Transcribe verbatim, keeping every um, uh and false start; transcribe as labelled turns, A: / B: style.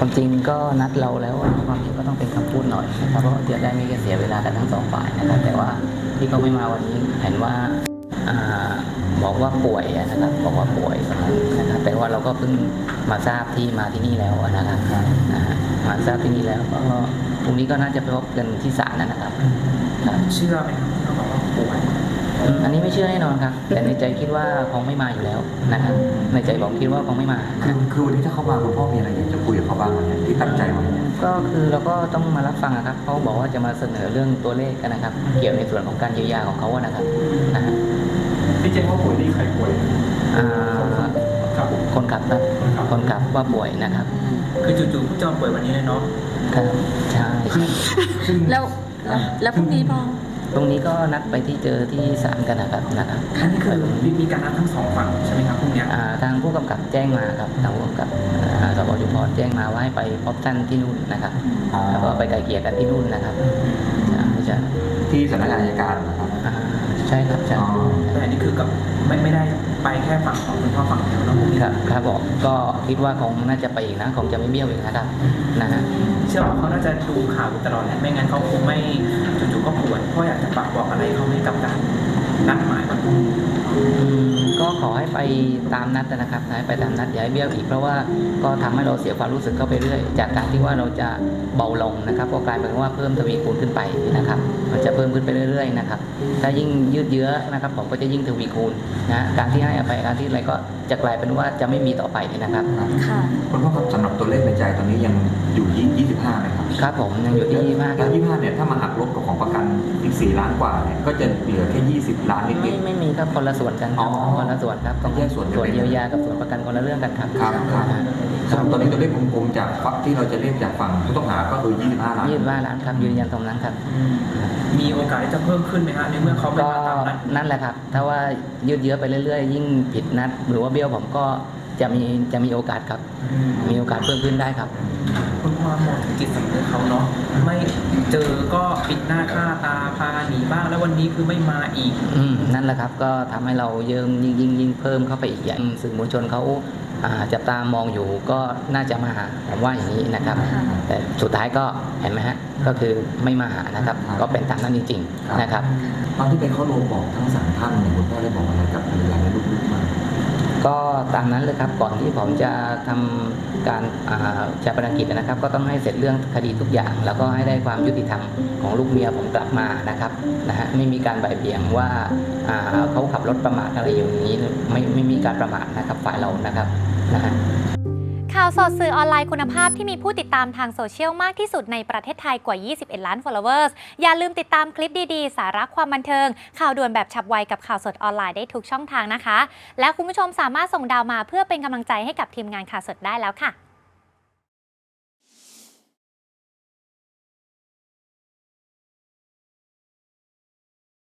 A: ความจริงก็นัดเราแล้วความจริงก็ต้องเป็นคำพูดหน่อยนะครับเพราะจะได้ไม่เสียเวลากันทั้งสองฝ่ายนะครับแต่ว่าที่เขาไม่มาวันนี้เห็นว่าบอกว่าป่วยนะครับบอกว่าป่วยนะครับแต่ว่าเราก็เพิ่งมาทราบที่มาที่นี่แล้วนะครับมาทราบที่นี่แล้วก็พรุ่งนี้ก็น่าจะไปพบกันที่ศาลนะครับ
B: เชื่อไหมครับเขาบอกว่าป่วย
A: อันนี้ไม่เชื่อแน่นอนครับแต่ในใจคิดว่าคงไม่มาอยู่แล้วนะครับในใจบอกคิดว่าคงไม่มา
C: คือคือวันนี้ถ้าเขามาคุณพ่อมีอะไรอยากจะคุยกับเขาบ้างไหมที่ตั้งใจไว้เนี่ย
A: ก็คือเราก็ต้องมารับฟังนะครับเขาบอกว่าจะมาเสนอเรื่องตัวเลขกันนะครับเกี่ยวในส่วนของการเยียวยาของเขาอะนะครับนะฮะ
B: พี่เจนว่าป่วยนี่ใครป่วย
A: อ่าคนขับครับคนขับว่าป่วยนะครับ
B: คือจู่ๆผู้จองป่วยวันนี้เลยเนาะ
A: ครับใช่
D: แล้วแล้วพรุ่งนี้พอ
A: ตรงนี้ก็นัดไปที่เจอที่ศาลกันนะครับนะครับ
B: อันนี้คือมีการนัดทั้งสองฝั่งใช่ไหมครับพรุ่งนี้
A: ทางผู้กำกับแจ้งมาครับทางผู้กำกับสพชุมพรแจ้งมาว่าให้ไปพบท่านที่นู่นนะครับแล้วก็ไปไกลเกลี่ยกันที่นู่นนะครับใช่
C: ที่สำนักงานอัยการนะครับ
A: ใช่ครับใช่
B: แต่อันนี้คือกับไม่ไม่ได้ไปแค่ฝั่งของคุณพ่อฝั่งเดียวนะพรุ่งนี้
A: ครับครับบอกก็คิดว่าคงน่าจะไปอีกนะคงจะไม่เบี้ยวอีกนะครับนะฮะ
B: เชื่อว่าเขาน่าจะดูข่าวตลอดแหละไม่งั้นเขาคงไม่จู่ๆก็ป่วยเพราะอยากจะฝากบอกอะไรเขาไม่กับการนัดหมายวันพรุ่งนี้
A: ก็ขอให้ไปตามนัดนะครับให้ไปตามนัดอย่าให้เบี้ยวอีกเพราะว่าก็ทำให้เราเสียความรู้สึกเข้าไปเรื่อยจากการที่ว่าเราจะเบาลงนะครับก็กลายเป็นว่าเพิ่มทวีคูณขึ้นไปนะครับมันจะเพิ่มขึ้นไปเรื่อยๆนะครับถ้ายิ่งยืดเยื้อนะครับผมก็จะยิ่งทวีคูณนะการที่ให้อภัยการที่อะไรก็จะกลายเป็นว่าจะไม่มีต่อไปนะครับ
D: ค่ะ
C: คุณพ่อครับสำหรับตัวเลขในใจตอนนี้ยังอยู่ที่ยี่สิบห้าไหมครับ
A: ครับผมยังอยู่ที่ยี่สิบห้าครับ
C: ยี่สิบห้าเนี่ยถ้ามาหักลบกับของประกันอีกสี่ล้านกว่าเนี่ยก็จะเหลือแค่ยี่สิบล้านนิดๆ
A: ไม่ไม่มีครับคนละส่วนกันคนละส่วนครับ
C: ต้องแยกส่วน
A: ส่วนเยียวยากับส่วนประกันคนละเรื่องกันครับ
C: ครับครับสำหรับตอนนี้ตัวเลขกลมๆจากฝั่งที่เราจะเรียกจากฝั่งผู้ต้องหาก็คือยี่สิบห้าล้าน
A: ยี่สิบห้าล้านครับยืนยันตรงนั้นครับ
B: มีโอกาสจะเพิ่มขึ้นไหมฮะในเมื่อเขาไม่มาตามนัด
A: นั่นแหละครับถ้าว่ายืดเยื้อไปเรื่อยๆยิ่งผิดนัดหรือว่าเบี้ยวผมก็จะมีจะมีโอกาสครับมีโอกาสเพิ่มขึ้นได้ครับ
B: คุณพ่อมองถึงจิตสำนึกเขาเนาะไม่เจอก็ปิดหน้าค่าตาพาหนีบ้างแล้ววันนี้คือไม่มาอีก
A: อืมนั่นแหละครับก็ทำให้เราเยิ่มยิ่งยิ่งยิ่งเพิ่มเข้าไปอีกอย่างสื่อมวลชนเขาจับตามองอยู่ก็น่าจะมาหาผมว่าอย่างนี้นะครับแต่สุดท้ายก็เห็นไหมฮะก็คือไม่มาหานะครับก็เป็นตามนั้นจริงๆนะครับ
C: ตอนที่ไปเข้าโรงบอกทั้งสามท่านเนี่ยคุณพ่อได้บอกอะไรกับภรรยาและลูกๆบ้าง
A: ก็ตามนั้นเลยครับก่อนที่ผมจะทำการชาปนกิจนะครับก็ต้องให้เสร็จเรื่องคดีทุกอย่างแล้วก็ให้ได้ความยุติธรรมของลูกเมียผมกลับมานะครับนะฮะไม่มีการบ่ายเบี่ยงว่าเขาขับรถประมาทอะไรอย่างนี้ไม่ไม่มีการประมาทนะครับฝ่ายเรานะครับนะฮะ
E: ข่าวสดสื่อออนไลน์คุณภาพที่มีผู้ติดตามทางโซเชียลมากที่สุดในประเทศไทยกว่ายี่สิบเอ็ดล้าน followers อย่าลืมติดตามคลิปดีๆสาระความบันเทิงข่าวด่วนแบบฉับไวกับข่าวสดออนไลน์ได้ทุกช่องทางนะคะและคุณผู้ชมสามารถส่งดาวมาเพื่อเป็นกำลังใจให้กับทีมงานข่าวสดได้แล้วค่ะ